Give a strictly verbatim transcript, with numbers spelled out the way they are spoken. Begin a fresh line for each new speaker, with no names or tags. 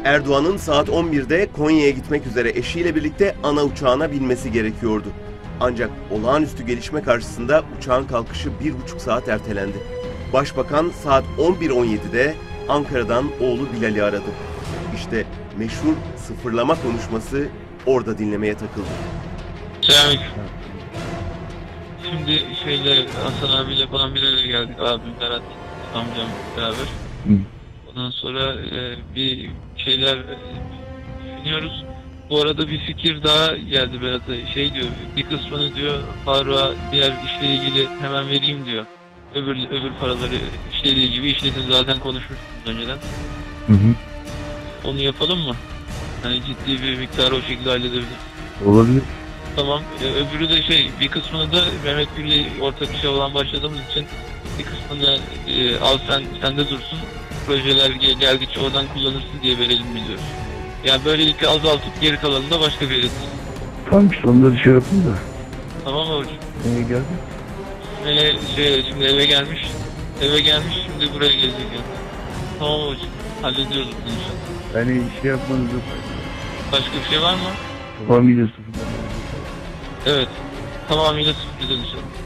Erdoğan'ın saat on birde Konya'ya gitmek üzere eşiyle birlikte ana uçağına binmesi gerekiyordu. Ancak olağanüstü gelişme karşısında uçağın kalkışı bir buçuk saat ertelendi. Başbakan saat on bir on yedide Ankara'dan oğlu Bilal'i aradı. İşte meşhur sıfırlama konuşması orada dinlemeye takıldı.
Selamünaleyküm. Şimdi şeyle Hasan abiyle falan bir araya geldik. Abim, Berat, amcam beraber. Hı. Ondan sonra e, bir şeyler e, düşünüyoruz. Bu arada bir fikir daha geldi Berat'a. Şey diyor, bir kısmını diyor Faruk'a diğer işle ilgili hemen vereyim diyor. Öbür öbür paraları işle ilgili işledin zaten konuşmuştunuz önceden. Hı hı. Onu yapalım mı? Hani ciddi bir miktarı o şekilde halledebiliriz.
Olabilir.
Tamam. Ee, öbürü de şey, bir kısmını da Mehmet Gül'le ortak işe olan başladığımız için bir kısmını e, al sen sende dursun. Projeler gel, geldikçe oradan kullanırsın diye verelim biliyoruz. Yani böylelikle azaltıp geri kalanını da başka bir yere.
Tamam işte onları şey yapın da.
Tamam mı hocam?
Neye geldi?
Ee, şey, şimdi eve gelmiş. Eve gelmiş şimdi buraya gelecek yani. Tamam hocam. Hallediyoruz bunu inşallah.
Yani şey yapmanız yok.
Başka bir şey var mı?
Tamamıyla sıfırdan.
Evet. Tamamıyla sıfırdan inşallah.